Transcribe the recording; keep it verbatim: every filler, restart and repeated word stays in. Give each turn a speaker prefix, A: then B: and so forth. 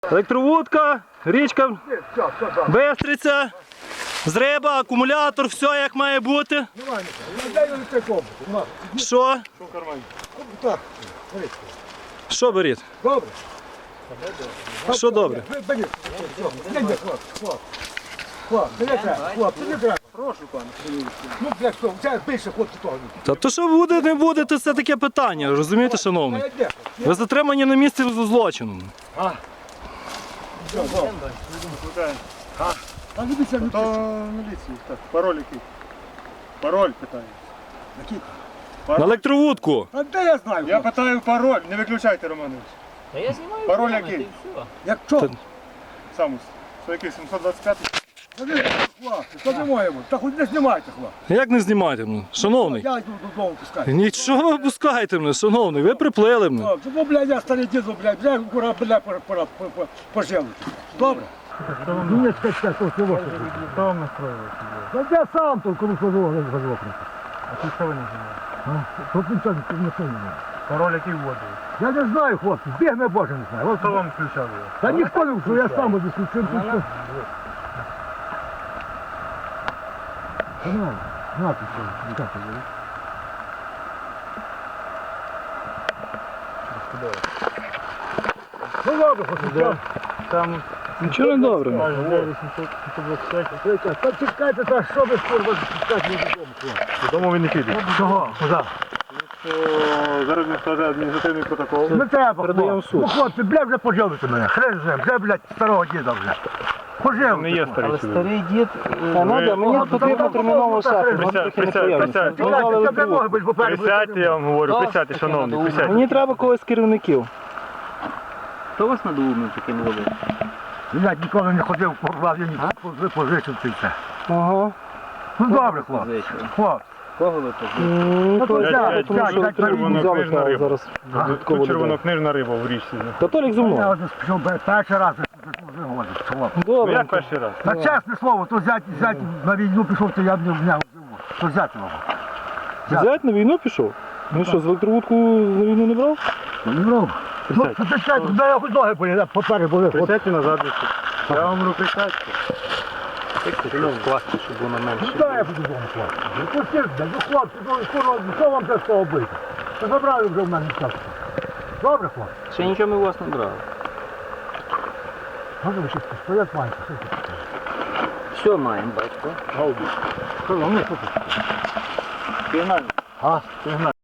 A: Електровудка, річка, Бистриця, зриба, акумулятор, все як має бути. Що? Що беріть?
B: Добре.
A: Що добре?
B: Беріть. Хлопці, не треба, хлопці, не треба. Прошу, пане. Ну, для що, це більше хлопці того.
A: Та то що буде, не буде, то це таке питання, розумієте, шановний? Ви затримані на місці злочину.
B: А? А? А не бійся, не
C: То міліції, так, пароль який? Пароль питаю.
B: Який?
A: На електровудку.
B: А де я знаю?
C: Я питаю пароль, не виключайте, Романович.
D: Та я знімаю
C: Пароль
D: прямо,
C: який?
D: та й все.
B: Як що?
C: Самус. Це який, сімсот двадцять п'ятий?
B: Хлопці, то не моєму. Та хоч не знімайте, хлопці.
A: Як не знімайте мене, шановний?
B: Я йду додому пускаю.
A: Нічого ви пускаєте мене, шановний, ви приплили мене.
B: Хлопці, ну, блядь, я старий діду, блядь, вже кура, блядь, пора, пора, пора, пожив. Добре? Ні, скачка, то всього.
C: Хто вам настроїв?
B: Та я сам тут коли сложу, не згодив.
C: А ти що ви не знімаєте?
B: Тут нічого не сильно.
C: Пароль який вводив?
B: Я не знаю, хлопці, бігне Боже не знаю.
C: Хто вам включав його?
B: Та ніхто не вчив, я сам буду включив. На, на, ти що, як ти говориш? Ну добре, хочу.
C: Там
A: Нічого не добре.
B: Та чекайте, та що ви курва чекати не додому, хлопці?
C: додому він не піде.
B: Чого? Куди?
C: Зараз він скаже адміністративний протокол.
B: Не треба,
A: Передаємо в
B: хлопці.
A: суд.
B: Ну, хлопці, бля, вже поживите мене. Хрен з ним, вже, блядь, старого діда вже. Поживите.
C: Не є старий чоловік.
D: Старий дід,
A: Та надо, мені
B: Ага,
A: потрібно
B: там
A: терміново
B: там
A: шахи,
B: там
A: мені
C: там
A: таке
C: там
A: неприємно.
C: там
A: Ми
C: там
A: взяли
B: Це не
A: електровудку.
B: може бути попереду.
C: Присядьте, я вам говорю, присядьте, шановний, присядьте.
A: Мені треба когось з керівників.
D: хто вас надумав таким робити?
B: Блядь, ніколи не ходив, курва, я ніколи позичив це все.
A: Ага.
B: Ну добре, хлопці. Хлопці.
D: Кого ви позичили?
A: М,
B: Ну, то
A: то-
B: взяли,
A: тому
B: взяли,
A: що
B: взяли,
A: телефон взяли,
C: червонокнижна
A: та
C: риба.
A: зараз
B: А,
A: додатково
C: Тут
A: додам.
C: червонокнижна риба в річці.
A: Та Толік зі
B: Я
A: мною.
B: один пішов перший раз, не говорить, хлопці.
C: Ну
A: Добре.
C: як перший раз?
B: На чесне слово, то взяти, взяти на війну пішов, то я б не в нього живу. То взяти його.
A: Зять на війну пішов? Ну що, з електровудку на війну не брав?
B: Не брав. Ну, це чекайте, де я хоч ноги болі, поперед були. От.
C: Присядьте назад. Я вам говорю, присядьте.
D: Класти, щоб воно менше.
B: Ну, дай я буду вдома, хлопці. Ну, пустіть, блядь, ну, хлопці, ну, курва, що вам це з того бити? То забрали вже в мене час. Добре, хлопці?
D: Ще нічого ми у вас не брали.
B: Може, ви ще стоять маєте, що це?
D: Все маємо, батько.
B: Що, ну, що це?
D: Пігнали.
B: А, ти знаєш.